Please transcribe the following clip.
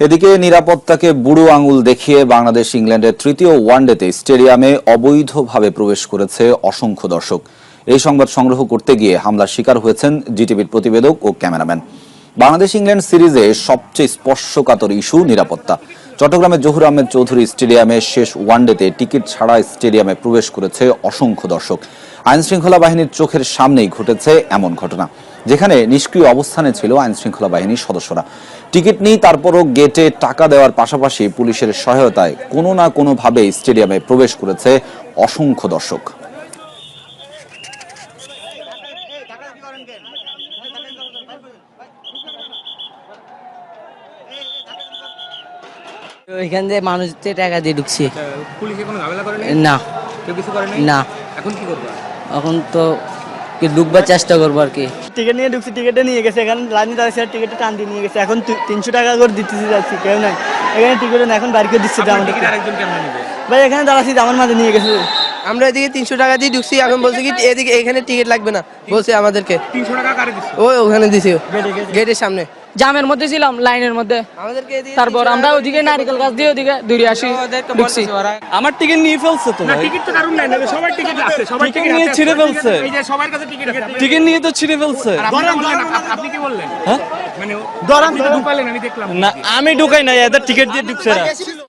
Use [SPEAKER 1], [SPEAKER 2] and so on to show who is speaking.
[SPEAKER 1] এদিকে নিরাপত্তাকে বুড়ো আঙুল দেখিয়ে বাংলাদেশ ইংল্যান্ডের তৃতীয় ওয়ানডেতে স্টেডিয়ামে অবৈধভাবে প্রবেশ করেছে অসংখ্য দর্শক। এই সংবাদ সংগ্রহ করতে গিয়ে হামলার শিকার হয়েছেন জিটিভির প্রতিবেদক ও ক্যামেরাম্যান। বাংলাদেশ ইংল্যান্ড সিরিজে সবচেয়ে স্পর্শকাতর ইস্যু নিরাপত্তা। চট্টগ্রামের জহুর আহমেদ চৌধুরী স্টেডিয়ামে শেষ ওয়ানডেতে টিকিট ছাড়া স্টেডিয়ামে প্রবেশ করেছে অসংখ্য দর্শক। আইনশৃঙ্খলা বাহিনীর চোখের সামনেই ঘটেছে এমন ঘটনা, যেখানে নিষ্ক্রিয় অবস্থানে ছিল আইনশৃঙ্খলা বাহিনীর সদস্যরা। টিকিট নিয়ে তারপরও গেটে টাকা দেওয়ার পাশাপাশি পুলিশের সহায়তায় কোনো না কোনোভাবে স্টেডিয়ামে প্রবেশ করেছে অসংখ্য দর্শক।
[SPEAKER 2] এখান থেকে মানুষ টাকা দিয়ে ঢুকছি।
[SPEAKER 3] পুলিশে কোনো ঝামেলা করে
[SPEAKER 2] না,
[SPEAKER 3] কেউ কিছু করে
[SPEAKER 2] না।
[SPEAKER 3] এখন কি করবে?
[SPEAKER 2] এখন তো ঢুকবার চেষ্টা করবো আর কি।
[SPEAKER 4] টিকিট নিয়ে ঢুকছি, টিকিটে নিয়ে গেছে, এখানে লাইনে দাঁড়িয়েছে, টিকিটে টান দিয়ে নিয়ে গেছে। এখন 300 টাকা করে দিতেছি, যাচ্ছি, কেউ নাই এখানে টিকিটে না, এখন বাড়ি করে দিচ্ছে আমাদের।
[SPEAKER 3] আরেকজন কেমন নেবে
[SPEAKER 4] ভাই এখানে দাঁড়াচ্ছি, আমার মাঝে নিয়ে গেছে।
[SPEAKER 5] আমরা এদিকে 300 টাকা দিয়ে ঢুকছি, এখন বলছে কি এদিকে এখানে টিকিট লাগবে না, বলছে আমাদেরকে
[SPEAKER 3] 300 টাকা কারে দিচ্ছে?
[SPEAKER 5] ওখানে দিছে গেটের সামনে।
[SPEAKER 6] জামের মধ্যে ছিলাম, লাইনের মধ্যে।
[SPEAKER 5] আমাদেরকে এদিকে
[SPEAKER 6] তারপর আমরা ওদিকে নারিকেল গাছ দিয়ে ওদিকে দূরে আসি, ঢুকছি।
[SPEAKER 7] আমার টিকিট নিয়ে ফেলছে তো
[SPEAKER 3] না,
[SPEAKER 7] ভাই।
[SPEAKER 3] টিকিট তো কারণ নাই, নাকি সবার টিকিট আছে, সবার
[SPEAKER 7] টিকিট
[SPEAKER 3] টিকিট
[SPEAKER 7] নিয়ে
[SPEAKER 3] আছে,
[SPEAKER 7] ছিঁড়ে ফেলছে।
[SPEAKER 3] এই যে সবার কাছে টিকিট আছে।
[SPEAKER 7] টিকিট নিয়ে তো ছিঁড়ে ফেলছে।
[SPEAKER 3] আর আপনি বললেন, আপনি কি বললেন?
[SPEAKER 7] হ্যাঁ?
[SPEAKER 3] মানে আপনি তো ঢুকালেন, আমি দেখলাম।
[SPEAKER 7] না, আমি ঢুকাই নাই, এদের টিকিট দিয়ে ঢুকছে না।